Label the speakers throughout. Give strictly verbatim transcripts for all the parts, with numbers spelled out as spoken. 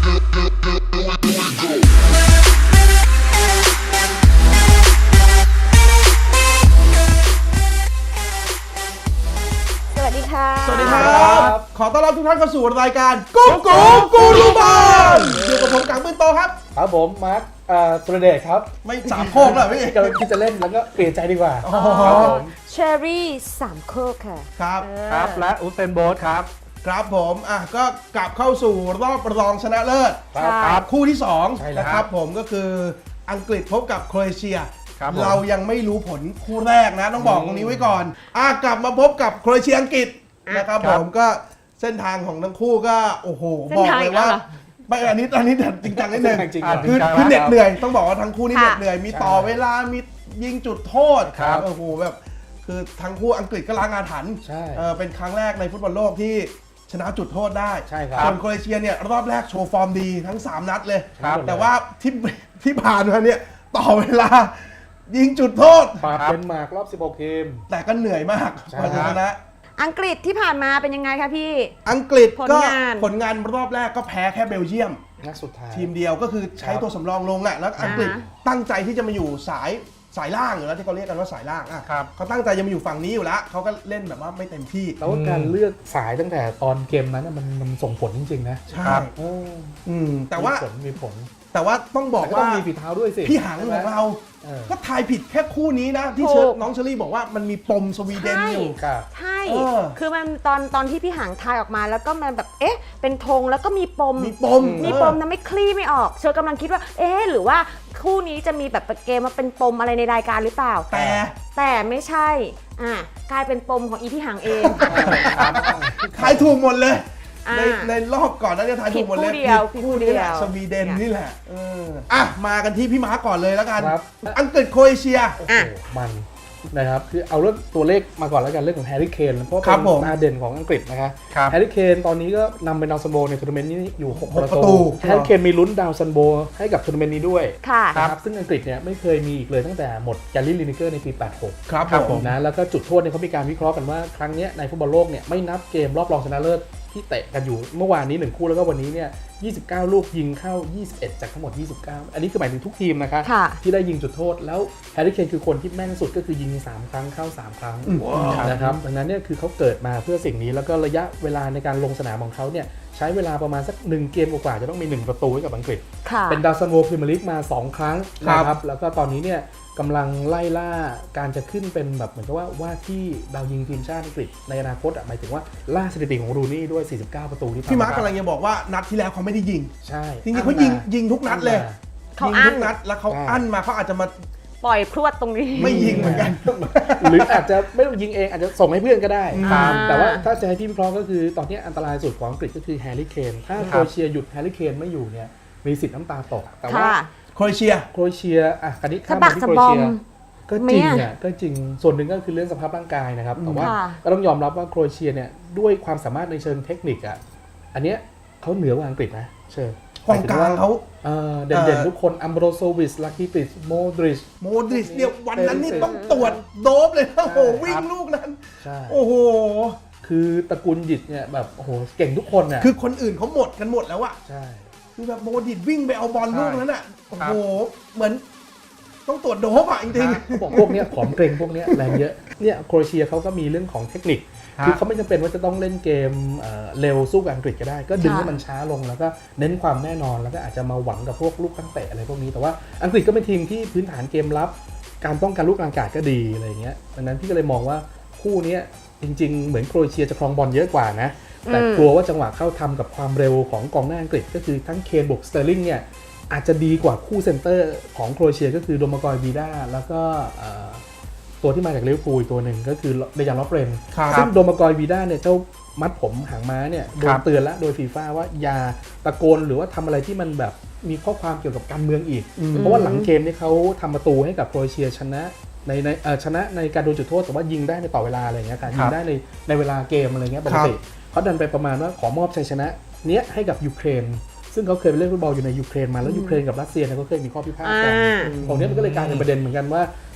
Speaker 1: สวัสดีค่ะ
Speaker 2: สวัสดีครับ ขอต้อนรับทุกท่านเข้าสู่รายการกุ๊กกูกูรูบอลอยู่กับผมกังปืนโตครับ
Speaker 3: ครับผมมาร์คสุรเดชครับ
Speaker 2: ไม่สามโคกแล้วพี่
Speaker 3: กำลังคิดจะเล่นแล้วก็เปลี่ยนใจดีกว่า
Speaker 2: อ๋อ
Speaker 3: ครับผม
Speaker 1: เชอรี่สามโคกค่ะ
Speaker 2: ครับ
Speaker 1: เออ
Speaker 3: ครับและอุซเซนโบลต์ครับ
Speaker 2: ครับผมอ่ะก็กลับเข้าสู่รอบรองชนะเลิศ
Speaker 3: ครับ
Speaker 1: ใช่
Speaker 2: ครับคู่ที่สอง
Speaker 3: ใช่แล้ว
Speaker 2: นะครับผมก็คืออังกฤษพบกับโครเอเชีย
Speaker 3: ครับผม
Speaker 2: เรายังไม่รู้ผลคู่แรกนะต้องบอกตรงนี้ไว้ก่อนอ่ะกลับมาพบกับโครเอเชียอังกฤษนะครับ
Speaker 3: ค
Speaker 2: ผ
Speaker 3: รับ
Speaker 2: มก็เส้นทางของทั้งคู่ก็โอ้โห
Speaker 1: เส้น
Speaker 2: บอก
Speaker 1: ทาง
Speaker 2: เล
Speaker 1: อี
Speaker 2: ย
Speaker 1: กแล้ว
Speaker 2: ว่า
Speaker 1: เหรอ
Speaker 2: ไม่อันนี้อันนี้จริงจังนิดนึง
Speaker 3: จริง
Speaker 2: อ่ะ
Speaker 3: ๆ
Speaker 2: คือ
Speaker 3: จริงๆ
Speaker 2: คือเหน็ด
Speaker 3: แล้ว
Speaker 2: เหนื่อยต้องบอกว่าทั้งคู่นี่เห
Speaker 1: ค่ะ
Speaker 2: น็ดเหนื่อยมีต่อเวลามียิงจุดโทษ
Speaker 3: ครับ
Speaker 2: โอ้โหแบบคือทั้งคู่อังกฤษก็ล้างอาถรรพ์
Speaker 3: ใช่
Speaker 2: เออเป็นครั้งแรกในฟุตบอลโลกที่ชนะจุดโทษได้
Speaker 3: ใช่ครับ
Speaker 2: ส่วนโครเอเชียเนี่ยรอบแรกโชว์ฟอร์มดีทั้งสามนัดเลย
Speaker 3: ครับ
Speaker 2: แต่ว่าที่ที่ผ่านมาเนี่ยต่อเวลายิงจุดโทษ
Speaker 3: ปราบเดนมาร์กรอบสิบหกทีม
Speaker 2: แต่ก็เหนื่อยมาก
Speaker 3: ใช่
Speaker 2: กว่าจะชนะ
Speaker 1: อังกฤษที่ผ่านมาเป็นยังไงคะพี่
Speaker 2: อังกฤษก็
Speaker 1: ผลงาน
Speaker 2: ผลงานรอบแรกก็แพ้แค่เบลเยียม
Speaker 3: นัดสุดท้าย
Speaker 2: ทีมเดียวก็คือใช้
Speaker 3: ครับ
Speaker 2: ตัวสำรองลงอ่ะแล้วอังกฤษ
Speaker 1: อ่าฮะ
Speaker 2: ตั้งใจที่จะมาอยู่สายสายล่างอยู่แล้วที่เขาเรียกกันว่าสายล่างอ่ะ
Speaker 3: ครับ
Speaker 2: เขาตั้งใจจะมาอยู่ฝั่งนี้อยู่แล้วเขาก็เล่นแบบว่าไม่เต็มที่
Speaker 3: แล้วการเลือกสายตั้งแต่ตอนเกมนั้นน่ะมันมันส่งผลจริงๆนะ
Speaker 2: ใช่
Speaker 3: เออ
Speaker 2: อืมแต่ว่า
Speaker 3: มีผลมีผล
Speaker 2: แต่ว่าต้องบอก
Speaker 3: แต่ก็ต้
Speaker 2: ว่า
Speaker 3: องมีฝีเท้าด้วยสิ
Speaker 2: พี่หัง
Speaker 3: ใช่
Speaker 2: ข
Speaker 3: ไหม
Speaker 2: องเรา
Speaker 3: เออ
Speaker 2: ก็ทายผิดแค่คู่นี้นะ ที่
Speaker 1: ถูก
Speaker 2: เชิญน้องเชอรี่บอกว่ามันมีปมสวีเดนอยู่
Speaker 3: ครับ
Speaker 1: ใช่
Speaker 2: เออ
Speaker 1: คือมันตอนตอนที่พี่หางทายออกมาแล้วก็มันแบบ เอ๊ะ เป็นธงแล้วก็มีปม
Speaker 2: มีปม
Speaker 1: มีปมทำให้คลี่ไม่ออก เชอกำลังคิดว่า เอ๊ะ หรือว่าคู่นี้จะมีแบบเกมมาเป็นปมอะไรในรายการหรือเปล่า
Speaker 2: แต่
Speaker 1: แต่ไม่ใช่ อ่ากลายเป็นปมของอีพี่หางเอง
Speaker 2: ทายถูกหมดเลย
Speaker 1: อ่า
Speaker 2: ในในรอบก่อนนั้นจะทายถูกหมดเลย
Speaker 1: ผิดคู่เดียว
Speaker 2: ผิคู่นี้แหละ
Speaker 1: ผิดคู่เดียว
Speaker 2: สวีเดนนี่แหละเอออ่ะมากันที่พี่ม้าก่อนเลยแล้วกัน
Speaker 3: ครับ
Speaker 2: อังกฤษโครเอเชีย
Speaker 3: โอ้โหมันนะครับคือเอาเรื่องตัวเลขมาก่อนแล้วกันเรื่องของแฮร์รี่เคนเพราะว่า
Speaker 2: ครั
Speaker 3: เป็
Speaker 2: บผม
Speaker 3: นตาเด่นของอังกฤษนะครับ
Speaker 2: ครับ
Speaker 3: แฮร์รี่เคนตอนนี้ก็นำเป็นดาวซันโบในทัวร์นาเมนต์นี้อยู่หก
Speaker 2: หก
Speaker 3: ประ
Speaker 2: ประตู
Speaker 3: ตูแฮร์รี่เคนมีลุ้นดาวซันโบให้กับทัวร์นาเมนต์นี้ด้วย
Speaker 1: ค่ะ
Speaker 3: นะครับซึ่งอังกฤษเนี่ยไม่เคยมีอีกเลยตั้งแต่หมดแกลลี่ลินิเกอร์ในปี แปดหก
Speaker 2: ครับผม
Speaker 3: นะแล้วก็จุดโทษเนี่ยเขามีการวิเคราะห์กันว่าครั้งเนี้ยในฟุตบอลโลกเนี่ยไม่นับเกมรอบรองชนะเลิศที่เตะกันอยู่เมื่อวานนี้หนึ่งคู่แล้วก็วันนี้เนี่ยยี่สิบเก้าลูกยิงเข้ายี่สิบเอ็ดจากทั้งหมดยี่สิบเก้าอันนี้คือหมายถึงทุกทีมนะคะ
Speaker 1: ค่ะ
Speaker 3: ที่ได้ยิงจุดโทษแล้วแฮร์รี่เคนคือคนที่แม่นสุดก็คือยิงสามครั้งเข้าสามครั้งนะครับดังนั้นเนี่ยคือเขาเกิดมาเพื่อสิ่งนี้แล้วก็ระยะเวลาในการลงสนามของเขาเนี่ยใช้เวลาประมาณสักหนึ่งเกมกว่าๆจะต้องมีหนึ่งประตูให้กับอังกฤษ
Speaker 1: ค่ะ
Speaker 3: เป็นดาวซันโวพรีเมียร์ลีกมาสองครั้ง
Speaker 2: ครับ
Speaker 3: นะครับแล้วก็ตอนนี้เนี่ยกำลังไล่ล่าการจะขึ้นเป็นแบบเหมือนกับว่าว่าที่ดาวยิงทีมชาติอังกฤษในอนาคตอ่ะหมายถึงว่าล่าสถิติของรูนี่ด้วยสี่สิบเก้าประตูที่
Speaker 2: พี่ม้า
Speaker 3: ทำ
Speaker 2: กำลังจะบอกว่านัดที่แล้วเขาไม่ได้ยิง
Speaker 3: ใช่
Speaker 2: จริงๆเขายิงยิงทุกนัดเลย
Speaker 1: เขา
Speaker 2: ยิง
Speaker 1: อั้
Speaker 2: ทุ
Speaker 1: น
Speaker 2: กนัดแล้วเขา
Speaker 3: ใช่
Speaker 2: อั้นมาเขาอาจจะมา
Speaker 1: ปล่อยพรวดตรงนี้
Speaker 2: ไม่ยิงเหมือนกัน
Speaker 3: หรืออาจจะไม่ต้องยิงเองอาจจะส่งให้เพื่อนก็ได้
Speaker 1: อ่า
Speaker 3: แต่ว่าถ้าจะให้พี่วิเคราะห์ก็คือตอนนี้อันตรายสุดของอังกฤษก็คือแฮร์รี่เคนถ้าโครเอเชียหยุดแฮร์รี่เคนไม่อยู่เนี่ยมีสิทธิ์น้ำตาตกแต่ว่า
Speaker 1: ค่ะ
Speaker 2: โครเอเชีย
Speaker 3: โครเอเชียอ่ะคันนี้ข้าม
Speaker 1: สะบั
Speaker 3: มาก ที่
Speaker 1: สะ
Speaker 3: โคร
Speaker 1: บ
Speaker 3: เอ
Speaker 1: อม
Speaker 3: เชียก็จริง
Speaker 1: ไหม
Speaker 3: อ่ะก็จริงส่วนหนึ่งก็คือเรื่องสภาพร่างกายนะครับแต่ว่า
Speaker 1: ค่ะ
Speaker 3: ก็ต้องยอมรับว่าโครเอเชียเนี่ยด้วยความสามารถในเชิงเทคนิคอ่ะอันเนี้ยเขาเหนือกว่าอังกฤษนะเชิญ
Speaker 2: กองกลางเขา
Speaker 3: เอ่อเด่นๆทุกคนอัมโบรโซวิชลาคิติชโมดริช
Speaker 2: โมดริชเนี่ยวันนั้นนี่ต้องตรวจโดบเลยนะโอ้โหวิ่งลูกนั้น
Speaker 3: ใช่
Speaker 2: โอ้โห
Speaker 3: คือตระกูลหยิดเนี่ยแบบโอ้โหเก่งทุกคนน่ะ
Speaker 2: คือคนอื่นเขาหมดกันหมดแล้วอะ
Speaker 3: ใช่
Speaker 2: คือแบบโมดิตวิ่งไปเอาบอลลูกนั้นอะโอ้โหเหมือน ต้องตรวจโดบอะจริง
Speaker 3: เขาบอกพวกเนี้ยผอมเกรงพวกเนี้ยแรงเยอะเนี่ยโครเอเชียเขาก็มีเรื่องของเทคนิคคือเขาไม่จำเป็นว่าจะต้องเล่นเกมเอ่อเร็วสู้กับอังกฤษก็ได้ ก็ดึงให้มันช้าลงแล้วก็เน้นความแน่นอนแล้วก็อาจจะมาหวังกับพวกลูกตั้งเตะอะไรพวกนี้แต่ว่าอังกฤษก็เป็นทีมที่พื้นฐานเกมรับการป้องกันลูกกลางอากาศก็ดีอะไรอย่างเงี้ยดังนั้นพี่ก็เลยมองว่าคู่เนี้ยจริงๆเหมือนโครเอเชียจะครองบอลเยอะกว่านะแต่กลัวว่าจังหวะเข้าทำกับความเร็วของกองหน้าอังกฤษก็คือทั้งเคนบวกสเตอร์ลิงเนี่ยอาจจะดีกว่าคู่เซนเตอร์ของโครเอเชียก็คือโดมากอยบีด้าแล้วก็เอ่อตัวที่มาจากลิเวอร์พูลตัวหนึ่งก็คือเดยานลอฟเรน
Speaker 2: ๆครับ
Speaker 3: ซึ่งโดมากอยบีด้าเนี่ยเจ้ามัดผมหางม้าเนี่ยโดนเตือนแล้วโดยฟีฟ่าว่าอย่าตะโกนหรือว่าทำอะไรที่มันแบบมีข้อความเกี่ยวกับการเมืองอีก
Speaker 2: อืม
Speaker 3: เพราะว่าหลังเกมเนี่ยเขาทำประตูให้กับโครเอเชียชนะในในเอ่อชนะในการโดนจุดโทษแต่ว่ายิงได้ในต่อเวลาอะไรเงี้ยการยิงได้ในในเวลาเกมอะไรเงี้ยปกติเขาดันไปประมาณว่าขอมอบชัยชนะเนี้ยให้กับยูเครนซึ่งเขาเคยไปเล่นฟุตบอลอยู่ในยูเครนมาแล้วยูเครนกับรัสเซียเนี่ยก็เคยมีข้อพิพาทกัน
Speaker 1: อ่า
Speaker 3: ตรงนี้มันก็เลยกลายเป็นประเด็นเหมือนกันว่า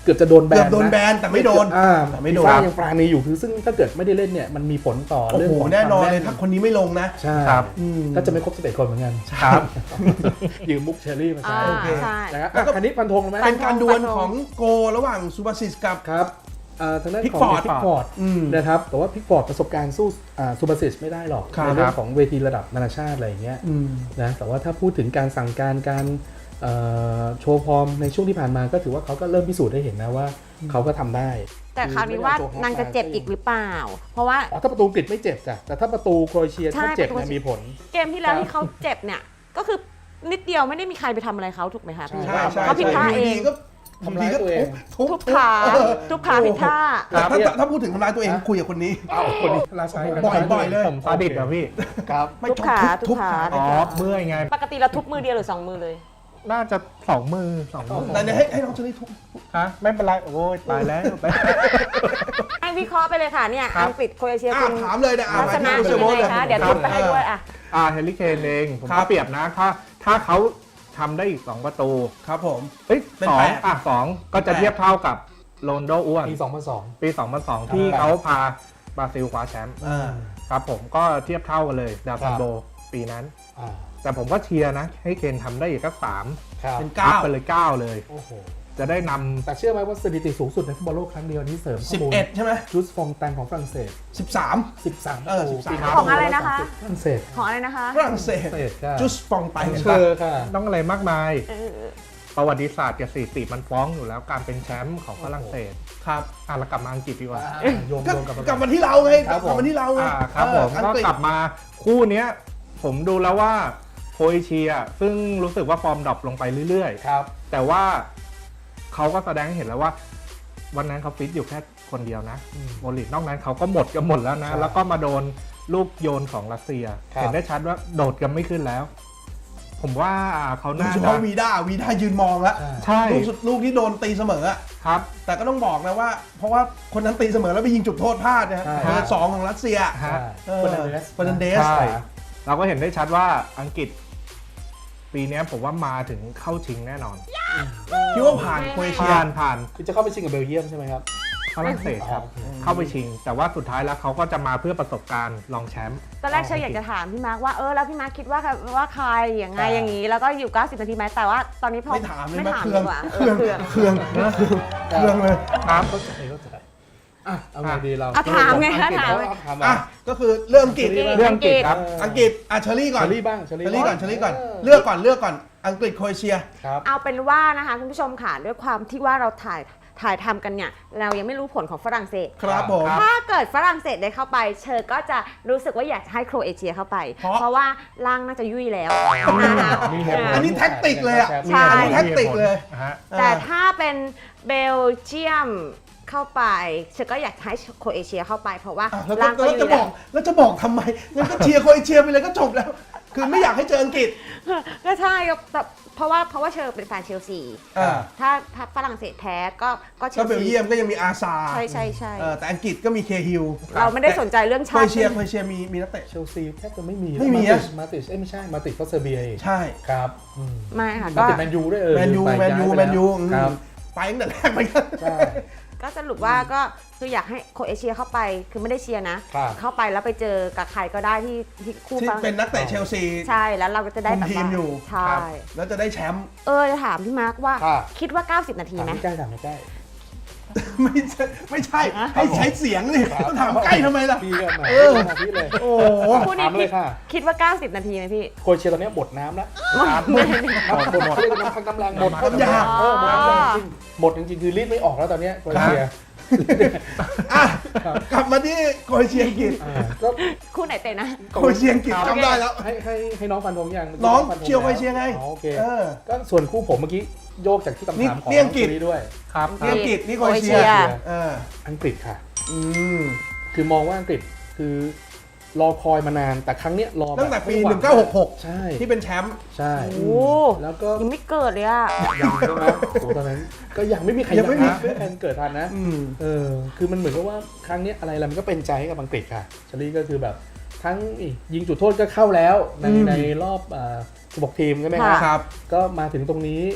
Speaker 3: กือบจะโดนแบน
Speaker 2: เกือบโดนแบนแต่ไม่โดน
Speaker 3: อ่า
Speaker 2: แต่ไม่โดน
Speaker 3: ฟีฟ่ายังปราณีอยู่คือซึ่งถ้าเกิดไม่ได้เล่นเนี่ยมันมีผลต่อ
Speaker 2: โอ้
Speaker 3: เรื่อง
Speaker 2: โห
Speaker 3: ของ
Speaker 2: แน่นอน
Speaker 3: ควม
Speaker 2: เลยถ้าคนนี้ไม่ลงนะ
Speaker 3: ใช่
Speaker 4: ครับ
Speaker 2: อืม
Speaker 3: ก็จะไม่ครบสิบเอ็ดคนเหมือนกัน
Speaker 4: ครับ
Speaker 3: ยืมมุกเชอรี่มาใช้
Speaker 1: อ่า
Speaker 2: โอเค
Speaker 1: ใช่
Speaker 3: นะครับ
Speaker 2: แล้วก็
Speaker 3: อ่ะคันนี้ฟันธงเลยไหม
Speaker 2: เป็นการดวล
Speaker 1: ฟันธง
Speaker 2: ของโกระหว่างซูบาซิสกับ
Speaker 3: ครับอ่าทางด้านของ
Speaker 2: Pickford
Speaker 3: พิกฟอร์ด
Speaker 2: อืม
Speaker 3: นะครับแต่ว่าพิกฟอร์ดประสบการณ์สู้อ่าซูบาซิสไม่ได้หรอก
Speaker 2: ครับ
Speaker 3: ในเรื่องของเวทีระดับนานาชาติอะไรอย่างเงี้ย
Speaker 2: อืม
Speaker 3: นะแต่ว่าถ้าพูดถึงการสั่งการการเอ่อโชว์ฟอร์มในช่วงที่ผ่านมาก็ถือว่าเขาก็เริ่มพิสูจน์ให้เห็นนะว่าเขาก็ทำได้
Speaker 1: แต่คราวนี้ว่านางจะเจ็บอีกหรือเปล่า เพราะว่า
Speaker 3: อ๋อถ้าประตูอังกฤษไม่เจ็บจ้ะแต่ถ้าประตูโครเอเชีย
Speaker 1: ใช่
Speaker 3: ถ้าเจ็บ
Speaker 1: ประตู
Speaker 3: เนี่ยมีผล
Speaker 1: เกมที่แล้วที่เขาเจ็บเนี่ยก็คือนิดเดียวไม่ได้มีใครไปทำอะไรเขาถูกไหมคะพี่
Speaker 2: ใช่ใช่
Speaker 1: เขาผิดพลาดเอง
Speaker 2: ยู่ดีก็
Speaker 3: ทำร้ายตัวเอง
Speaker 2: ทุบ
Speaker 1: ทุบขาทุบขาผิดท่า
Speaker 2: แต่ถ้าถ้าพูดถึงทำร้ายตัวเองคุยกับคนนี้
Speaker 3: อ้าวคนนี้ราชา
Speaker 2: บ่อยบ่อยเลย
Speaker 4: ผมซาดิสเหรอพี่
Speaker 3: ครับ
Speaker 2: ไม่
Speaker 1: ทุบขา
Speaker 2: ทุ
Speaker 1: ทุ
Speaker 2: บบ ขา
Speaker 1: ขา
Speaker 4: อ๋อเมื่อยไง
Speaker 1: ปกติเราทุบมือเดียวหรือสองมือเลย
Speaker 4: น่าจะสองมือสองมือ
Speaker 2: แต่เนี่ยให้ให้น้องเชอรี่ทุบ
Speaker 4: ฮะไม่เป็นไรโอ้ยตายแล้ว
Speaker 1: ให้วิเคราะห์ไปเลยค่ะเนี่ย
Speaker 4: ครับ
Speaker 1: อังกฤษโครเอเชีย
Speaker 2: อ่ะ
Speaker 1: คุณ
Speaker 2: ถามเลยนะอ่ะ
Speaker 1: ลักษณะ
Speaker 2: มาที่
Speaker 1: เป็น
Speaker 2: โม
Speaker 1: ยังไงคะเดี๋ยวทุบไปให้ด้วยอ่ะ
Speaker 4: อ่าเฮลิเคนเองผม
Speaker 2: ครั
Speaker 4: ก็
Speaker 2: บ
Speaker 4: เปรียบนะถ้าถ้าเขาทำได้อีกสองประตู
Speaker 2: ครับผม
Speaker 4: เอ้ย
Speaker 2: เป็น
Speaker 4: สอ
Speaker 2: แป
Speaker 4: ง
Speaker 2: ด
Speaker 4: อ่ะสองก็จะ
Speaker 2: เป็นแปด
Speaker 4: เทียบเท่ากับโรนลโดอ้วน
Speaker 3: ปีสองพันสอง
Speaker 4: ปีสองพันสองที่เขาพาบราซิลคว้าแชมป์
Speaker 2: อ่า
Speaker 4: ครับผมก็เทียบเท่ากันเลยดาวซันโบปีนั้น
Speaker 3: อ่า
Speaker 4: แต่ผมก็เชียร์นะ ให้เคนทำได้อีกสักสาม
Speaker 3: ครับ
Speaker 2: เป็น
Speaker 4: อัพ
Speaker 2: เก้า
Speaker 4: ไปเลยเก้าเลย
Speaker 3: โอ้โห
Speaker 4: จะได้นำ
Speaker 3: แต่เชื่อไหมว่าสถิติสูงสุดในฟุตบอลโลกครั้งเดียวนี้เสริมข้
Speaker 2: สิ
Speaker 3: อบ มูล
Speaker 2: เอ็ดใช่ไหม
Speaker 3: จูสฟองแตงของฝรั่งเศส
Speaker 2: สิบสาม
Speaker 3: สิบสามป
Speaker 2: เอ
Speaker 3: ระ
Speaker 2: อ
Speaker 3: ตู
Speaker 2: สิบสาม
Speaker 3: ปีนั้น
Speaker 1: ของอะไรนะคะ
Speaker 3: ฝรั่งเศส
Speaker 1: ของอะไรนะคะ
Speaker 2: ฝรั่งเศส
Speaker 3: ฝรั่งเศสค่ะ
Speaker 2: จุสฟองไป
Speaker 3: เช
Speaker 2: เห็นปะ
Speaker 3: อร์ค่ะ
Speaker 4: ต้องอะไรมากมาย
Speaker 1: เออ
Speaker 4: ประวัติศาสตร์กับสถิติมันฟ้องอยู่แล้วการเป็นแชมป์ของฝรั่งเศส
Speaker 2: ครับ
Speaker 4: อ่ะเรากลับมาอังกฤษดีกว่า
Speaker 3: อ่าโยม
Speaker 2: ก็
Speaker 3: โยมกับ
Speaker 2: กลับมาที่เราไง
Speaker 3: ครับ
Speaker 2: ก
Speaker 3: ผม
Speaker 2: ลับมาที่เราไง
Speaker 4: อ่าครับผม
Speaker 2: เอออัง
Speaker 4: ก็
Speaker 2: กฤษ
Speaker 4: กลับมาคู่เนี้ย ผมดูแล้วว่าโครเอเชียซึ่งรู้สึกว่าฟอร์มดรอปลงไปเรื่อย
Speaker 3: ครับ
Speaker 4: ๆ แต่ว่าเขาก็แสดงให้เห็นแล้วว่า วันนั้นเขาฟิตอยู่แค่คนเดียวนะ
Speaker 3: อืม
Speaker 4: โมลิตนอกนั้นเขาก็หมดกันหมดแล้วนะ
Speaker 3: ใช่
Speaker 4: แล้วก็มาโดนลูกโยนของรัสเซีย
Speaker 3: ครับ
Speaker 4: เห็นได้ชัดว่าโดดกันไม่ขึ้นแล้ว ผมว่าเขา
Speaker 2: โดย
Speaker 4: น่า
Speaker 2: เฉ
Speaker 4: จะ
Speaker 2: พาะวีด้าวีด้ายืนมองแล้ว
Speaker 3: ใช่
Speaker 4: ใช่
Speaker 2: ลูกสุดลูกที่โดนตีเสมออะ
Speaker 4: ครับ
Speaker 2: แต่ก็ต้องบอกนะว่า เพราะว่าคนนั้นตีเสมอแล้วไปยิงจุดโทษพลาดนะฮะ
Speaker 3: ใช่
Speaker 2: เบอร์สองของรัสเซีย
Speaker 3: ใช่
Speaker 2: เออ
Speaker 3: เฟอร์นันเดส
Speaker 2: เฟอร์นันเดส
Speaker 4: ใช่ เราก็เห็นได้ชัดว่าอังกฤษ ปีเนี้ยผมว่ามาถึงเข้าชิงแน่นอน
Speaker 2: คิดว่าผ่านโครเอเชีย
Speaker 4: ผ่านผ่าน
Speaker 3: คือจะเข้าไปชิงกับเบลเยียมใช่ไหมครับ
Speaker 4: ฝรั่งเศสครับ
Speaker 3: อ๋อโอเค
Speaker 4: เข้าไปชิง แต่ว่าสุดท้ายแล้วเขาก็จะมาเพื่อประสบการณ์รองแชมป์
Speaker 1: ตอนแรกเชยอยากจะถามพี่มาร์คว่าเออแล้วพี่มาร์คคิดว่าว่าใครอย่างไง
Speaker 3: อ่า
Speaker 1: อย่างนี้แล้วก็อยู่เก้าสิบนาทีไหมแต่ว่าตอนนี้พอ
Speaker 2: ไม่ถามเลย
Speaker 1: ไม่
Speaker 2: มา
Speaker 1: ถาม
Speaker 2: เค
Speaker 1: ดี
Speaker 2: รื่อง
Speaker 1: กว่า
Speaker 2: เครื่อง
Speaker 1: เออ
Speaker 2: เครื่องเครื่องเลย
Speaker 4: ครับ
Speaker 3: เข้าใจเข้าใจอ่ะเอาไงดีเรา
Speaker 1: อ่ะถามไง
Speaker 3: อั
Speaker 1: คะ
Speaker 3: กฤษ
Speaker 1: ถาม
Speaker 3: เอถาม
Speaker 2: อ่ะ
Speaker 3: อ่ะ
Speaker 2: ก็คือเรื่องอังกฤษ
Speaker 1: อังกฤษ
Speaker 4: เรื่องอังกฤษครับ
Speaker 2: อังกฤษอ่ะเชอรี่ก่อน
Speaker 3: เชอรี่บ้างเชอ
Speaker 2: เช
Speaker 3: รี่
Speaker 2: อรี่ก่อนเชอรี่ก่อน
Speaker 3: เ
Speaker 2: เลือกก่อนเลือกก่อนอังกฤษโครเอเชีย
Speaker 3: ครับ
Speaker 1: เอาเป็นว่านะคะคุณผู้ชมค่ะด้วยความที่ว่าเราถ่ายถ่ายทำกันเนี่ยเรายังไม่รู้ผลของฝรั่งเศส
Speaker 2: ครับผม
Speaker 1: ถ้าเกิดฝรั่งเศสได้เข้าไปเชอก็จะรู้สึกว่าอยากจะให้โครเอเชียเข้าไป
Speaker 2: เพราะ
Speaker 1: เพราะว่าร่างน่าจะยุ่ยแล้วนะคะ
Speaker 4: มีเหตุผล
Speaker 2: อันนี้แท็กติกเลยอ่ะ
Speaker 1: ใช่
Speaker 2: อันนี้แท็กติกเลย
Speaker 4: นะฮะ
Speaker 1: แต่ถ้าเป็นเบลเยียมเข้าไปเชอก็อยากให้โครเอเชียเข้าไปเพราะว่า
Speaker 2: อ่ะแล้ว
Speaker 1: ร่าง
Speaker 2: จะ
Speaker 1: ก็
Speaker 2: แล้ว
Speaker 1: ยุ่
Speaker 2: จะ
Speaker 1: ย
Speaker 2: บ
Speaker 1: แล้
Speaker 2: อ
Speaker 1: ว
Speaker 2: กแล้วจะบอกทำไมงั้นก็เชียร์โครเอเชียไปเลยก็จบแล้ว คือไม่อยากให้เจออังกฤษ
Speaker 1: ก็ใช่ครับแต่เพราะว่าเพราะว่าเชอเป็นแฟนเชลซี
Speaker 2: อ่า
Speaker 1: ถ้าถ้าฝรั่งเศสแพ้ก็ก็เช
Speaker 2: ก็
Speaker 1: ล
Speaker 2: เบล
Speaker 1: ซี
Speaker 2: เยียมก็ยังมีอาซา
Speaker 1: ใช่ใช่ใช่
Speaker 2: เออแต่อังกฤษก็มีเคฮิล
Speaker 1: เราไม่ได้สนใจเรื่อง
Speaker 2: โคร
Speaker 1: ชา
Speaker 2: เอ
Speaker 1: ติ
Speaker 2: เชียโครเอเชียมีมีนักเตะ
Speaker 3: เชลซีแทบจะไม่มี
Speaker 2: ไม่มี
Speaker 3: มา
Speaker 2: อะ
Speaker 3: ติชมาติชเอ้ยไม่ใช่มาติชเขาเซอร์เบียเอง
Speaker 2: ใช่
Speaker 3: ครับอืม
Speaker 1: ไม่ค่ะ
Speaker 3: มา
Speaker 1: ก็
Speaker 3: ติชแมนยูด้วยเออ
Speaker 2: แมนยู
Speaker 3: ไป
Speaker 2: แมนยู
Speaker 3: ย้ายไป
Speaker 2: แมนยู
Speaker 3: แล้วครับ
Speaker 2: ไปตั้งแต่แรกเหมือนกัน
Speaker 3: ใช่
Speaker 1: ก็สรุปว่าก็คืออยากให้โครเอเชียเข้าไปคือไม่ได้เชียร์นะ
Speaker 3: ครับ
Speaker 1: เข้าไปแล้วไปเจอกับใครก็ได้ที่ที่คู่
Speaker 2: ที่
Speaker 1: ฝรั่ง
Speaker 2: เป็นนักเตะเชลซี
Speaker 1: ใช่แล้วเราก็จะได้แบบ
Speaker 2: คุมทีม
Speaker 1: ว่า
Speaker 2: อยู่
Speaker 1: ใช่
Speaker 2: ครับแล้วจะได้แชมป์
Speaker 1: เออจะถามพี่มาร์คว่า
Speaker 3: ค่ะ
Speaker 1: คิดว่าเก้าสิบนาที
Speaker 3: ถาม
Speaker 1: ไหม
Speaker 3: ไม่ใกล้ถามไม่ใกล้
Speaker 2: ไม่ใช่ไม่ใช่ให้ใช้เสียงนี่ต้องถามใกล้ทำไมล่ะ
Speaker 3: พี่ก็มา
Speaker 2: เออ
Speaker 3: มาพี่เลย
Speaker 2: โอ้โห
Speaker 1: คู่นี้
Speaker 3: ถามเลยค่ะ
Speaker 1: คิดว่าเก้าสิบนาทีไหมพี่
Speaker 3: โครเอเชียตอนนี้หมดน้ำแล้ว
Speaker 1: ไม่
Speaker 3: หมดหมดหมดเรียกว่าน้ำพักน้ำแรงหมด
Speaker 2: น้ำยา
Speaker 3: เออหมดน้ำยาจริงหมดจริงๆคือรีดไม่ออกแล้วตอนเนี้ยโครเอเชีย
Speaker 2: อ่ะกลับมาที่โครเอเชียอังกฤษ
Speaker 3: อ่าก็
Speaker 1: คู่ไหนเตะนะ
Speaker 2: โครเอเชียอังกฤษจำได้แล้ว
Speaker 3: ให้ให้ให้น้องฟันธงยัง
Speaker 2: น้อง
Speaker 3: ฟัธ
Speaker 2: เชียร์โครเอเชียไง
Speaker 3: อ๋อโอเค
Speaker 2: เออ
Speaker 3: ก็ส่วนคู่ผมเมื่อกี้โยกจากที่คำถามของ
Speaker 2: นี่อังกฤษ
Speaker 3: น้ด้วย
Speaker 4: ครับ
Speaker 2: นี่อังกฤษนี่โครเอเชีย
Speaker 1: โครเอเชีย
Speaker 2: เออ
Speaker 3: อังกฤษค่ะ
Speaker 2: อืม
Speaker 3: คือมองว่าอังกฤษคือรอคอยมานานแต่ครั้งเนี้ยรอบบ
Speaker 2: ตั้งแต่ปี
Speaker 3: ไม่ว
Speaker 2: หนึ่งเก้าหกหก
Speaker 3: ใช่
Speaker 2: ที่เป็นแชมป์
Speaker 3: ใช่
Speaker 1: โอ้
Speaker 3: แล้วก็
Speaker 1: ยังไม่เกิดเลยอะ
Speaker 3: ยังใช่ไหมโอ้ตอนนั้นก็ยังไม่มีใคร
Speaker 2: ยังไม่มี
Speaker 3: นะไม่มีใครเกิดทันนะ
Speaker 2: อืม
Speaker 3: เออคือมันเหมือนกับว่าครั้งเนี้ยอะไรอะไรมันก็เป็นใจให้กับอังกฤษค่ะชลีก็คือแบบทั้งอียิงจุดโทษก็เข้าแล้วใน
Speaker 2: อืม
Speaker 3: ในรอบอ่าสิบหกทีมใช่ไหม
Speaker 1: ค่ะ
Speaker 3: คะ
Speaker 2: ครับ
Speaker 3: ก็มาถึงตรงนี้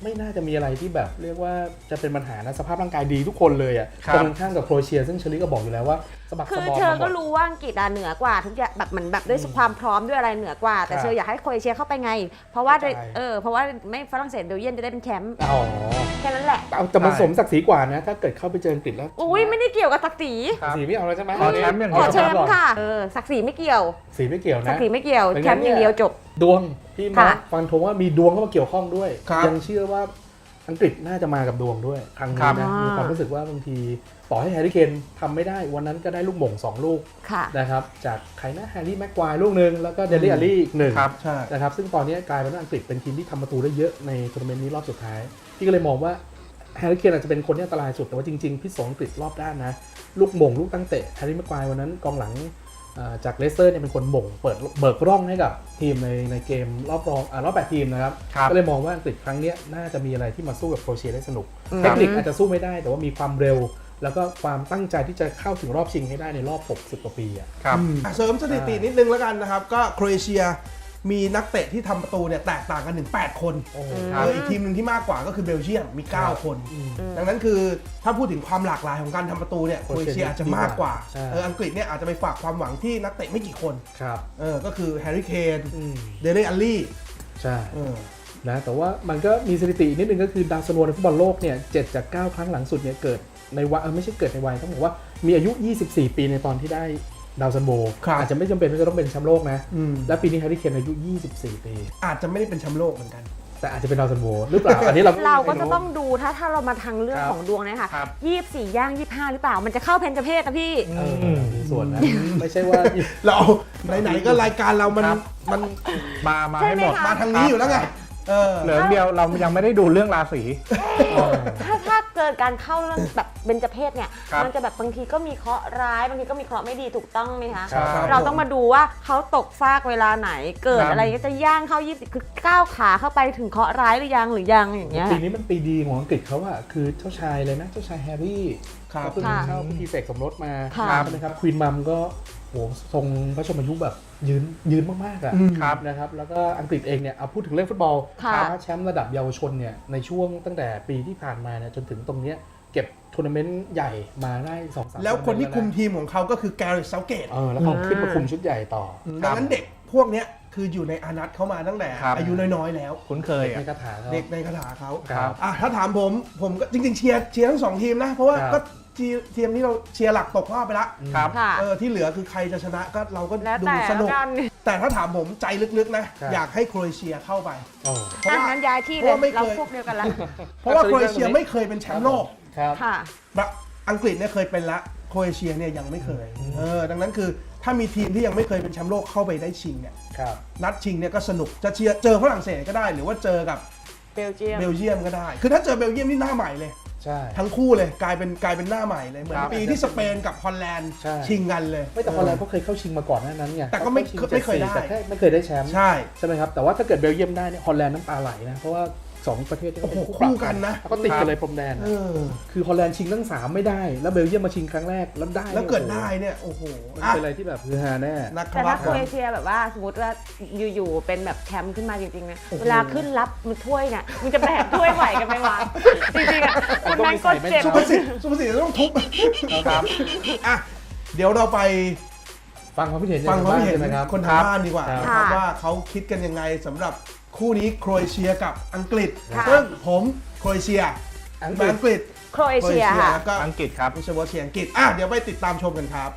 Speaker 3: ไม่น่าจะมีอะไรที่แบบเรียกว่าจะเป็นปัญหานะสภาพร่างกายดีทุกคนเลยอ่ะ
Speaker 4: ครับ
Speaker 3: ตรงข้างกับโครเอเชียซึ่งเชอรี่ก็บอกอยู่แล้วว่าสะบัก
Speaker 1: คื
Speaker 3: สะ
Speaker 1: อบ
Speaker 3: อม
Speaker 1: เชอ
Speaker 3: มาหม
Speaker 1: ก็
Speaker 3: ด
Speaker 1: รู้ว่าอังกฤษอะเหนือกว่าทุกอย่างแบบเหมือนแบบด้วยความพร้อมด้วยอะไรเหนือกว่า แต่
Speaker 3: ครับ
Speaker 1: เชออยากให้โครเอเชียเข้าไปไง เพราะว่า
Speaker 3: เข้าใจ
Speaker 1: เออเพราะว่าไม่ฝรั่งเศสเบลเยียมจะได้เป็นแชมป์
Speaker 3: อ๋อ
Speaker 1: แค่นั้นแหละ
Speaker 3: เอาแต่มัน
Speaker 4: ใช่
Speaker 3: สมศักดิ์ศรีกว่านะถ้าเกิดเข้าไปเจออังกฤษแล้ว
Speaker 1: อุ้ยไม่ได้เกี่ยวกับศักดิ์ศรี
Speaker 4: ครับ
Speaker 3: สีไม่เอาแล้วใช่ไหม
Speaker 4: ขอแชมป์อย่าง
Speaker 1: ข
Speaker 4: เดี
Speaker 1: อ
Speaker 4: ยว
Speaker 1: แชมป์ค่ะเออศักดิ์ศรีไม่เกี่ยว
Speaker 3: สีไม่เกี่ยว
Speaker 1: ศัก
Speaker 3: นะ
Speaker 1: ดิ์ศรีไม่เกี่ยว
Speaker 3: เป็นไง
Speaker 1: แชมป์อย่างเดียวจบ
Speaker 3: ดวงพี่มา
Speaker 1: ค่ะ
Speaker 3: ฟันธงว่ามีดวงเข้ามาเกี่ยวข้องด้วย
Speaker 2: ครับ
Speaker 3: ยังเชื่อว่าอังกฤษน่าจะมากับดวงด้วยครั้ง
Speaker 4: ครั
Speaker 3: นี้
Speaker 4: บ
Speaker 3: นะ
Speaker 1: อ่ามี
Speaker 3: มีความรู้สึกว่าบางทีต่อให้แฮร์รี่เคนทำไม่ได้วันนั้นก็ได้ลูกหม่งสองลูก
Speaker 1: ค่ะ
Speaker 3: นะครับจากใครนะแฮร์รี่แม็กควายลูกหนึ่งแล้วก็เดลี่อารี่อีกหนึ่ง
Speaker 4: ครับ
Speaker 2: ใช่
Speaker 3: นะครับซึ่งตอนนี้กลายเป็นว่าอังกฤษเป็นทีมที่ทำประตูได้เยอะในทัวร์นาเมนต์นี้รอบสุดท้ายพี่ก็เลยมองว่าแฮร์รี่เคนอาจจะเป็นคนที่อันตรายสุดแต่ว่าจริงๆพิษสงอังกฤษรอบด้านนะลูกหม่งลูกตั้งเตะแฮร์รี่แม็กควายวันนั้นกองหลังอ่าจากเลสเตอร์เนี่ยเป็นคนหม่งเปิดเบิกร่องให้กับทีมในในเกมรอบรองอ่ารอบแปดทีมนะครับ
Speaker 4: ครับ
Speaker 3: ก็เลยมองว่าอังกฤษครั้งเนี้ยน่าจะมีอะไรที่มาสู้กับโครเอเชียได้สนุก
Speaker 1: อืม
Speaker 3: เทคนิคอาจจะสู้ไม่ได้แต่ว่ามีความเร็ว แล้วก็ความตั้งใจที่จะเข้าถึงรอบชิงให้ได้ในรอบหกสิบกว่าปีอ่ะ
Speaker 4: ครับ
Speaker 2: อ่ะเสริมสถิตินิดนึงแล้วกันนะครับ ก็โครเอเชียมีนักเตะที่ทำประตูเนี่ยแตกต่างกันถึงแปดคน
Speaker 3: โอ้โห
Speaker 2: เอออีกทีมหนึ่งที่มากกว่าก็คือเบลเยียมมี เก้า คน
Speaker 3: อืม
Speaker 2: ดังนั้นคือถ้าพูดถึงความหลากหลายของการทำประตูเนี่ยโครเอเชียอาจจะมากกว่า
Speaker 3: ใช่
Speaker 2: เอออังกฤษเนี่ยอาจจะไปฝากความหวังที่นักเตะไม่กี่คน
Speaker 3: ครับ
Speaker 2: เออก็คือแฮร์รี่เคน
Speaker 3: อืม
Speaker 2: เดเรอัลลี่
Speaker 3: ใช่
Speaker 2: เออ
Speaker 3: นะแต่ว่ามันก็มีสถิตินิดนึงก็คือดาวซันโวในฟุตบอลโลกเนี่ยเจ็ดจากเก้าครั้งหลังสุดเนี่ยเกิดในวัยเออไม่ใช่เกิดในวัยต้องบอกว่ามีอายุยี่สิบสี่ปีในตอนที่ได้ดาวซันโว
Speaker 2: ครับ
Speaker 3: อาจจะไม่จำเป็นว่าจะต้องเป็นแชมป์โลกนะ
Speaker 2: อืม
Speaker 3: และปีนี้แฮร์รี่เคนอายุยี่สิบสี่ปี
Speaker 2: อาจจะไม่ได้เป็นแชมป์โลกเหมือนกัน
Speaker 3: แต่อาจจะเป็นดาวซันโวหรือเปล่าอันนี้เรา
Speaker 1: เราก็
Speaker 3: ไม่
Speaker 1: จะต้องดูถ้าถ้าเรามาทางเรื่อง
Speaker 3: ครับ
Speaker 1: ของดวงเนยคะ
Speaker 4: ครับ
Speaker 1: ยี่สิบสี่ย่างยี่สิบห้าหรือเปล่า มันจะเข้าเพนจเพศนะพี่
Speaker 3: เออมีส่วนนะไม่ใช่ว่า
Speaker 2: เราไหนๆก็รายการเรามัน
Speaker 4: ครับ
Speaker 2: มัน
Speaker 4: มามา
Speaker 1: ใช่
Speaker 4: ให้
Speaker 1: ไหม
Speaker 4: หมด
Speaker 1: คะ
Speaker 2: มาทางนี้อยู่แล้วไงเออ
Speaker 4: เหลือเดียวเรายังไม่ได้ดูเรื่องราศี
Speaker 1: ถ้าถ้าเกิดการเข้าเรื่องแบบเบญจเพศเนี่ย
Speaker 4: ครับ
Speaker 1: มันจะแบบบางทีก็มีเคราะห์ร้ายบางทีก็มีเคราะห์ไม่ดีถูกต้องไหมคะ
Speaker 3: ครับ
Speaker 1: เราต้องมาดูว่าเขาตกฟากเวลาไหน เกิด
Speaker 4: ครับ
Speaker 1: อะไรก็จะย่างเข้ายี่สิบคือก้าวขาเข้าไปถึงเคราะห์ร้ายหรือยังหรือยังอย่างเงี้ย
Speaker 3: ปีนี้มันปีดีของอังกฤษเขาอะคือเจ้าชายเลยนะเจ้าชายแฮร์รี่
Speaker 2: ครับ
Speaker 3: เขาเพิ่ง
Speaker 1: ค่ะ
Speaker 3: เข้าพิธีเสกสมรสมา
Speaker 1: ค่ะ
Speaker 3: ใช่ไหมครับควีนมัมก็โหทรงพระชนมายุแบบยืนยืนมากๆอะ
Speaker 2: อืม
Speaker 4: ครับ
Speaker 3: นะครับแล้วก็อังกฤษเองเนี่ยเอาพูดถึงเรื่องฟุตบอล
Speaker 1: ค่ะ
Speaker 3: คว้าแชมป์ระดับเยาวชนเนี่ยในช่วงตั้งแต่ปีที่ผ่านมาเนี่ยจนถึงตรงเนี้ยเก็บทัวร์นาเมนต์ใหญ่มาได้สองสาม
Speaker 2: แล้วคนที่คุม
Speaker 3: ทัวร์นาเมนต์
Speaker 2: ทีมของเขาก็คือแกริสเซาเกต
Speaker 3: เออแล้วเขาขึ้นมาคุมชุดใหญ่ต่อ
Speaker 2: ดังนั้นเด็กพวกเนี้ยคืออยู่ในอานัตเขามาตั้งแต่
Speaker 4: ครับ
Speaker 2: อายุน้อยๆแล้ว
Speaker 4: คุ้นเคย
Speaker 3: เด็ก
Speaker 4: อ่ะ
Speaker 3: ในคาถาเขา
Speaker 2: เด็กในคาถาเขา
Speaker 3: ครับ
Speaker 2: อ่ะถ้าถามผมผมก็จริงๆเชียร์เชียร์ทั้งสองทีมนะ เพราะว่า
Speaker 3: ครับ
Speaker 2: ก็ทีทีมที่เราเชียร์หลักตกรอบไปละ
Speaker 4: ครับ
Speaker 1: ค่ะ
Speaker 2: เออที่เหลือคือใครจะชนะก็เราก็
Speaker 1: แล้ว
Speaker 2: ดู
Speaker 1: แต่
Speaker 2: สนุก
Speaker 1: กัน
Speaker 2: แต่ถ้าถามผมใจลึกๆนะ
Speaker 3: ครับ
Speaker 2: อยากให้โครเอเชียเข้าไป
Speaker 3: โอ้
Speaker 2: เพราะ
Speaker 1: อ่ะ
Speaker 2: ว่า
Speaker 1: งั้นย้ายที่
Speaker 2: เพ
Speaker 1: เล
Speaker 2: ราะ
Speaker 1: ย
Speaker 2: ว่าไม่เคย
Speaker 1: เราพวกเดียวกันละ
Speaker 2: เพราะว่าโครเอเชียไม่เคยเป็นแชมป์โลก
Speaker 3: ครับ
Speaker 1: ค่ะ
Speaker 2: แบบอังกฤษเนี่ยเคยเป็นละโครเอเชียเนี่ยยังไม่เคยเออดังนั้นคือถ้ามีทีมที่ยังไม่เคยเป็นแชมป์โลกเข้าไปได้ชิงเนี่ย
Speaker 3: ครับ
Speaker 2: นัดชิงเนี่ยก็สนุกจะเชียร์เจอฝรั่งเศสก็ได้ หรือว่าเจอกับ
Speaker 1: เบลเยียม
Speaker 2: เบลเยียมก็ได้ คือถ้าเจอเบลเยียมนี่หน้าใหม่เลย
Speaker 3: ใช่
Speaker 2: ทั้งคู่เลยกลายเป็นกลายเป็นหน้าใหม่เลย เหมือน
Speaker 4: ครับ
Speaker 2: ปีที่สเปนกับฮอลแลนด์
Speaker 3: ใช่
Speaker 2: ชิงกันเลย
Speaker 3: ไม่แต่ฮอลแลนด์เขาเคยเข้าชิงมาก่อนหน้านั้นไง
Speaker 2: แต่ก็ไม่
Speaker 3: ขา
Speaker 2: ไม่เคยได้
Speaker 3: แต่แค่ไม่เคยได้แชมป์
Speaker 2: ใช่
Speaker 3: ใช่ไหมครับแต่ว่าถ้าเกิดเบลเยียมได้เนี่ยฮอลแลนด์น้ำตาไหลนะเพราะว่าสองประเทศนี้
Speaker 2: โอ้โห
Speaker 3: เป็น
Speaker 2: คู่กันนะ
Speaker 3: แล้วก็ติดกันเลยพรมแดน
Speaker 2: เออ
Speaker 3: คือฮอลแลนด์ชิงทั้งสามไม่ได้ แล้วเบลเยียมมาชิงครั้งแรกแล้วได้
Speaker 2: แล้วเกิด
Speaker 3: นี่ย
Speaker 2: ได้เนี่ยโอ้โห
Speaker 3: โอ้โหมัน
Speaker 2: อ่ะ
Speaker 3: เป็นอะไรที่แบบคือฮาแน่
Speaker 2: นัก
Speaker 1: แต่
Speaker 2: รั
Speaker 1: ถ้า
Speaker 2: บ
Speaker 1: โครเอเชียแบบว่าสมมติว่าอยู่ๆเป็นแบบแชมป์ขึ้นมาจริงๆนะ
Speaker 2: โอ้โห
Speaker 1: เวลาขึ้นรับมือถ้วยเนี่ยมันจะแบกถ้วยไหวกันไหมวะจริงๆอ่ะคนนั้นก็เจ็บ
Speaker 2: สุภาษิตสุภาษิตจะต้องทุบ
Speaker 4: ครับ
Speaker 2: อ่ะเดี๋ยวเราไป
Speaker 3: ฟังความคิดเห็น
Speaker 2: ฟังความคิดเห็น
Speaker 3: ใช่ไหมครับ
Speaker 2: คนทางบ้านดีกว่า
Speaker 3: ครับ
Speaker 2: นะครับว่าเขาคิดกันยังไงสำหรับคู่นี้โครเอเชียกับอังกฤษ
Speaker 1: ค่ะ
Speaker 2: ซึ่งผมโครเอเชีย
Speaker 3: อังก
Speaker 2: มา
Speaker 3: ฤษ
Speaker 2: อังกฤษ
Speaker 1: โครเอเชียค่ะ
Speaker 2: แล้วก็
Speaker 4: อังกฤษครับ
Speaker 2: ไม่ใช่ว่าเชียร์อังกฤษอ่ะเดี๋ยวไปติดตามชมกันครับ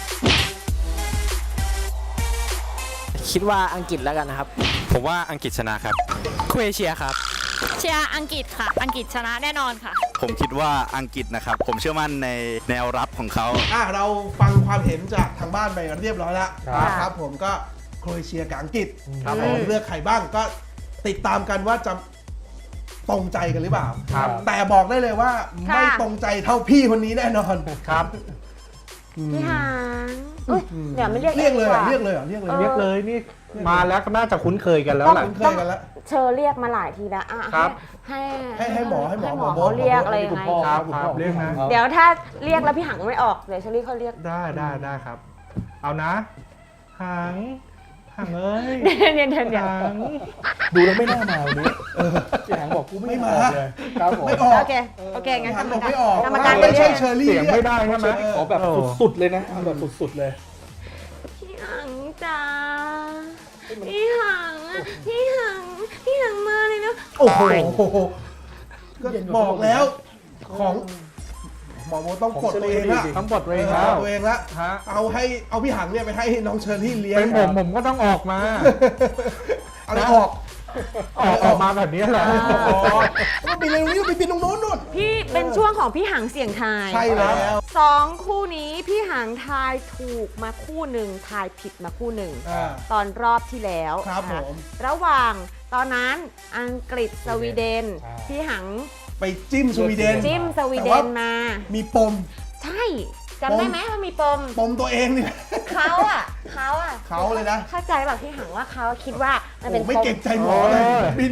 Speaker 5: คิดว่าอังกฤษแล้วกันนะครับ
Speaker 6: ผมว่าอังกฤษชนะครับ
Speaker 5: โครเอเชียครับ
Speaker 7: เชียร์อังกฤษค่ะ อังกฤษชนะแน่นอนค่ะ
Speaker 6: ผมคิดว่าอังกฤษนะครับ ผมเชื่อมั่นในแนวรับของเขา
Speaker 2: อ่ะเราฟังความเห็นจากทางบ้านไปเรียบร้อยแล้ว
Speaker 3: ครับ
Speaker 2: นะครับผมก็โครเอเชียกับอังกฤษ
Speaker 4: ครับ
Speaker 2: ผมเลือกใครบ้างก็ติดตามกันว่าจะตรงใจกันหรือเปล่า
Speaker 4: ครับ
Speaker 2: แต่บอกได้เลยว่า
Speaker 1: ค่ะ
Speaker 2: ไม่ตรงใจเท่าพี่คนนี้แน่นอน
Speaker 4: ครับ
Speaker 1: พี่หางเอ้ยเดี๋ยวไม่เรียก
Speaker 2: เรียกเลยเหรอ
Speaker 1: ดี
Speaker 2: เรียกเลยเหรอเรียกเลย
Speaker 1: ออ
Speaker 4: เรียกเลยนี่มาแล้วก็น่าจะคุ้นเคยกันแล้วแหละ
Speaker 2: คุ้นเคยกันแล้ว
Speaker 1: เชอเรียกมาหลายทีแล้วอ่ะ
Speaker 4: ครับ
Speaker 1: ให้
Speaker 2: ให้ให้หมอให้หมอ
Speaker 1: ให้หมอ
Speaker 2: หมอ
Speaker 1: เขาเรียก
Speaker 2: หมอ
Speaker 1: อะไรยังไง
Speaker 4: ครับครับเรียกนะ
Speaker 1: เดี๋ยวถ้าเรียกแล้วพี่หังไม่ออกเดี๋ยวเชอรี่เขาเรียก
Speaker 4: ได้ได้ได้ครับ เอานะ หัง หังเอ้ย
Speaker 1: เดี๋ยวเดี๋ยวเดี๋ยว
Speaker 4: หัง
Speaker 3: ดูแล้วไม่น่ามาวันนี้พี่หางบอกกูไม่
Speaker 2: ไม่
Speaker 3: มา
Speaker 2: มา
Speaker 3: เลยครับผม
Speaker 2: ไม่ออก
Speaker 1: โอเค โอเค งั้น
Speaker 2: หัน
Speaker 1: กรร
Speaker 2: บ
Speaker 1: ม
Speaker 2: อก
Speaker 1: การ
Speaker 2: ไม่ออก
Speaker 1: กรรมการ
Speaker 2: ไม่ใช่
Speaker 1: เรียก
Speaker 2: เชอรี่
Speaker 4: เสียงไม่ได้ใช่ไหม
Speaker 3: ขอแบบสุดๆเลยนะเอาแบบสุดๆเลย
Speaker 1: พี่หังจ้าพี่หังอะพี่หัง พี่หังมาเลยนะ
Speaker 2: โอ้โหก็บอกแล้วของหมอโมต้องปลดตัวเองละ
Speaker 4: ต้องบท
Speaker 2: เอ
Speaker 4: เอ
Speaker 2: อง
Speaker 4: แล้ว
Speaker 2: ตัวเองละ
Speaker 4: ฮะ
Speaker 2: เอาให้เอาพี่หังเนี่ยไปให้น้องเชอรี่เลี้ยง
Speaker 4: เป็นผมผมก็ต้องออกมา
Speaker 2: อะไรออก
Speaker 4: ออกออกมาแบบนี้แหละ
Speaker 2: อ๋อก็ไปเร็วนี้ไปบินตรงโน้นนู่น
Speaker 1: พี่เป็นช่วงของพี่หังเสี่ยงทาย
Speaker 2: ใช่แล้ว
Speaker 1: สองคู่นี้พี่หังทายถูกมาคู่หนึ่งทายผิดมาคู่หนึ่ง
Speaker 2: อ่า
Speaker 1: ตอนรอบที่แล้ว
Speaker 2: ครับ
Speaker 1: นะะ
Speaker 2: ผม
Speaker 1: ระหว่างตอนนั้นอังกฤษสวีเดน
Speaker 3: ใช่
Speaker 1: พี่หัง
Speaker 2: ไปจิ้มสวีเดน
Speaker 1: จิ้มสวีเด
Speaker 2: แต่
Speaker 1: น
Speaker 2: ว่า
Speaker 1: มา
Speaker 2: มีปม
Speaker 1: ใช่จำได้ไหมว่ามีปม
Speaker 2: ปมตัวเองเนี่ย
Speaker 1: เขาอ่ะเขาอ่ะ
Speaker 2: เขาเลยนะ
Speaker 1: เข้าใจแบบพี่หังว่าเขาคิดว่ามัน
Speaker 2: โอ้
Speaker 1: เป็น
Speaker 2: ไม่
Speaker 1: ปม
Speaker 2: เก่งใจหมอเลย
Speaker 4: โอ้ย
Speaker 2: บิน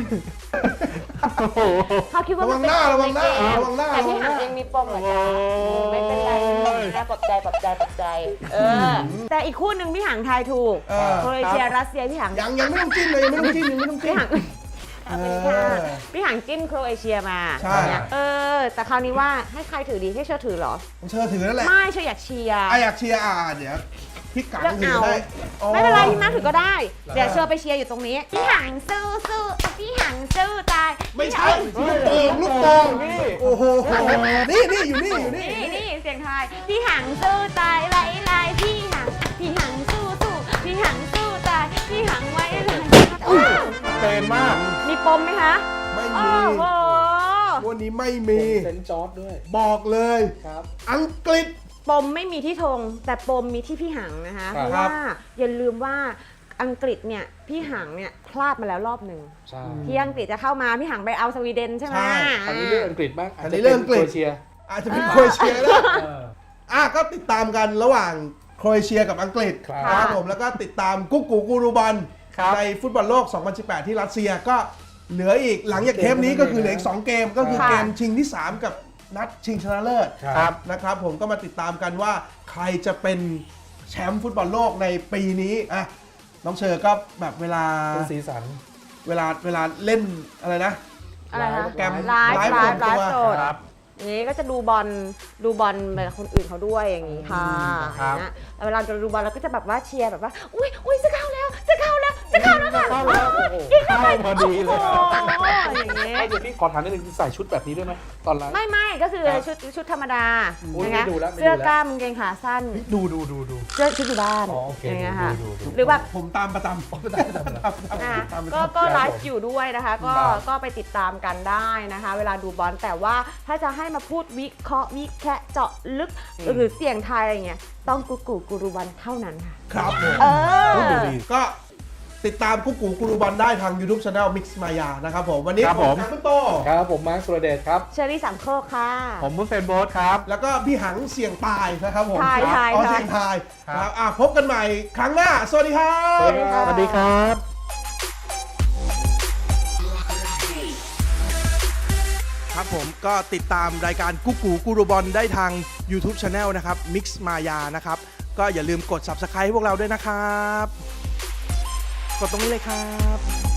Speaker 1: เขาคิดว่ามันเป็น
Speaker 2: ระวังหน้า
Speaker 1: ปมในเกม
Speaker 2: ระวังหน้า
Speaker 1: แต่พี่
Speaker 2: ระวังหน้า
Speaker 1: หังเองมีปมเหมือนกันไม่เป็นไรนะปลอบใจปลอบใจปลอบใจเออแต่อีกคู่หนึ่งพี่หังทายถูก
Speaker 2: เออ
Speaker 1: โครเอเชียรัสเซียพี่หัง
Speaker 2: ยังยังไม่ต้องจิ้มเลยยังไม่ต้องจิ้มยังไม่ต้องจิ้
Speaker 1: พี่
Speaker 2: ม
Speaker 1: หังเอาเป็นค่ะพี่หังจิ้มโครเอเชียมา
Speaker 2: ใช่
Speaker 1: เนี่ยเออ แต่คราวนี้ว่าให้ใครถือดีให้เชอถือเหรอ
Speaker 2: ผมเชิญถือนั่นแหละ
Speaker 1: ไม่เชออยากเชียร์
Speaker 2: อ่ะอยากเชียร์อ่ะเดี๋ยวพี่กัง
Speaker 1: เลือก
Speaker 2: ถือ
Speaker 1: เอา
Speaker 2: ได้อ๋อ
Speaker 1: ไม่เป็นไรพี่มาถือก็ได้ เดี๋ยวเชอไปเชียร์อยู่ตรงนี้ พี่หังสู้สู้พี่หังสู้ตาย
Speaker 2: ไม่ใช่ลูกโป่งลูกโป่งโอ้โหนี่นี่อยู่นี่อยู่นี่
Speaker 1: นี่นี่เสียงไทายพี่หังสู้ตายไว้ลายพี่หังพี่หังสู้สู้พี่หังสู้ตายพี่หังไว้ลายอ้าว
Speaker 4: เป็นมาก
Speaker 1: มีปมไหมคะ
Speaker 2: ไม่
Speaker 1: โอ้
Speaker 2: มี
Speaker 1: โห
Speaker 2: วันนี้ไม่มี
Speaker 3: เซนต์จอร์ดด้วย
Speaker 2: บอกเลย
Speaker 3: ครับ
Speaker 2: อังกฤษ
Speaker 1: ปมไม่มีที่ธงแต่ปมมีที่พี่หังนะคะ
Speaker 3: ครับ
Speaker 1: เพราะว่าอย่าลืมว่าอังกฤษเนี่ยพี่หังเนี่ยพลาดมาแล้วรอบหนึ่ง
Speaker 3: ใช่
Speaker 1: ที่อังกฤษจะเข้ามาพี่หังไปเอาสวีเดนใช่ไหม
Speaker 2: ใช่
Speaker 3: คราวนี้เรื่องอังกฤษบ้าง
Speaker 2: อันนี้เรื่องอังกฤษ
Speaker 3: โครเชีย
Speaker 2: อาจจะเป็นโครเอเชียแล้ว
Speaker 3: เออ
Speaker 2: อ่ะก็ติดตามกันระหว่างโครเอเชียกับอังกฤษ
Speaker 3: ครับ
Speaker 2: ครับผมแล้วก็ติดตามกุ๊กกูกูรูบอล
Speaker 4: ครับ
Speaker 2: ในฟุตบอลโลก สองพันสิบแปด ที่รัสเซียก็เหลืออีกหลังจากเทปนี้ก็คือเหลืออีกสองเกม ก็คือ
Speaker 1: ค่ะ
Speaker 2: เกมชิงที่ สาม กับนัดชิงชนะเลิศ
Speaker 3: ครับ
Speaker 2: นะครับผมก็มาติดตามกันว่าใครจะเป็นแชมป์ฟุตบอลโลกในปีนี้อ่ะน้องเชอร์ก็แบบเวลา
Speaker 3: เป็นสีสัน
Speaker 2: เวลาเวลาเล่นอะไรนะ
Speaker 1: อะไรคะ
Speaker 2: โปรแกรม
Speaker 1: ไลฟ์
Speaker 2: ไลฟ์
Speaker 1: ไลฟ์ไล
Speaker 2: ส่วนตัว
Speaker 1: ฟ์สด
Speaker 4: ครับ
Speaker 1: อย่างนี้ก็จะดูบอลดูบอลแบบคนอื่นเขาด้วยอย่างนี้ค่ะ
Speaker 4: ครับ
Speaker 1: นะแล้วเวลาเราดูบอลเราก็จะแบบว่าเชียร์แบบว่าอุ้ยอุ้ยจะเข้าแล้วจะเข้าแล้วจะเข้าแล้วค่ะ
Speaker 4: เข้าแล้ว
Speaker 1: ยิงเข้าไป
Speaker 4: เข้าพอดีเลย
Speaker 1: โอ้โหอย่างนี้
Speaker 3: เดี๋ยวพี่ขอถามนิดนึงใส่ชุดแบบนี้ด้วยไหมตอนไลฟ์
Speaker 1: ไม่ไม่ก็คือชุดชุดธรรมดา
Speaker 3: อุ๊ย
Speaker 1: นะคะ
Speaker 3: ไม่ดูแล้วไม่ดูแล้ว
Speaker 1: เสื้อกล้ามกางเกงขาสั้น
Speaker 3: ดูดูดูดู
Speaker 1: เสื้อชุดอยู่บ้าน
Speaker 3: อ๋อโอเค
Speaker 1: อย่างเงี้ยค่ะ
Speaker 3: ดูดูดู
Speaker 1: หรือแบบ
Speaker 2: ผมตามประจำ
Speaker 1: อ่ะก็ก็ไลฟ์อยู่ด้วยนะคะ ก็
Speaker 3: ครับ
Speaker 1: ก็ไปติดตามกันได้นะคะ เวลาดูบอลแต่ว่าถ้าจะให้มาพูดวิเคราะห์วิแคะเจาะลึกหรือเสี่ยงทายอะไรเงี้ยต้องกูกูกูรูบอลเท่านั้นค่ะ
Speaker 2: ครับผม
Speaker 1: เออ
Speaker 2: ก็ติดตามกุ๊กกูกูรูบอลได้ทาง YouTube Channel Mix Maya นะครับผมวันนี้
Speaker 4: ครับผม
Speaker 2: กังคุณโต
Speaker 3: ครับผมมาร์คสุรเดชครับ
Speaker 1: เชอรี่สามโคกค่ะ
Speaker 4: ผมมุสเซนโบสครับ
Speaker 2: แล้วก็พี่หังเสี่ยงตายนะครับผม
Speaker 1: ทายทาย
Speaker 2: อ๋อ
Speaker 1: ทาย
Speaker 2: เสี่ยงทาย
Speaker 4: ครับ
Speaker 2: ครับอ่ะพบกันใหม่ครั้งหน้า สวัสดีครับ
Speaker 3: สวัสดีครับ
Speaker 4: สวัสดีครับ
Speaker 2: ครับผมก็ติดตามรายการกุ๊กกูกูรูบอลได้ทาง YouTube Channel นะครับ Mix Maya นะครับ ก็อย่าลืมกด Subscribe ให้พวกเราด้วยนะครับ กดตรงนี้เลยครับ